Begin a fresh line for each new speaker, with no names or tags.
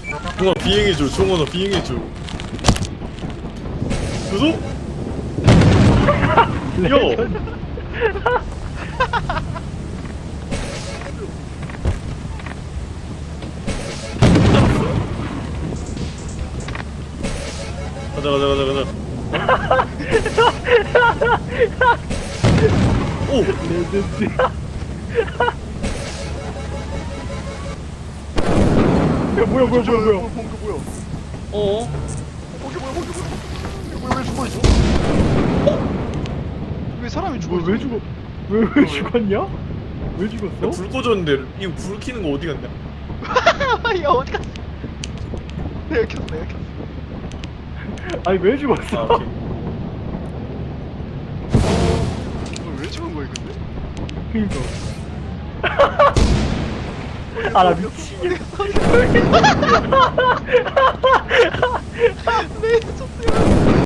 종아 비행해줘. 종아 너 비행해줘. 그래서? 야! 가자 가자 가자 가자. 오!
레전드. 야 뭐야 뭐야 뭐야 뭐야.
뭔가 뭐야?
어?
거기 뭐야? 거기 뭐야? 왜 죽어 있어? 왜 사람이 죽어 있어?
왜 죽어? 왜 죽었냐? 왜 죽었어?
불 꺼졌는데 이거 불 켜는 거 어디 갔냐?
야 어디 갔어? 내가 켰어 내가 켰어.
아니 왜 죽었어?
아 오케이.
왜 죽은 거야 근데?
그니까. 아 나 미치겠어.
왜 쳤어요?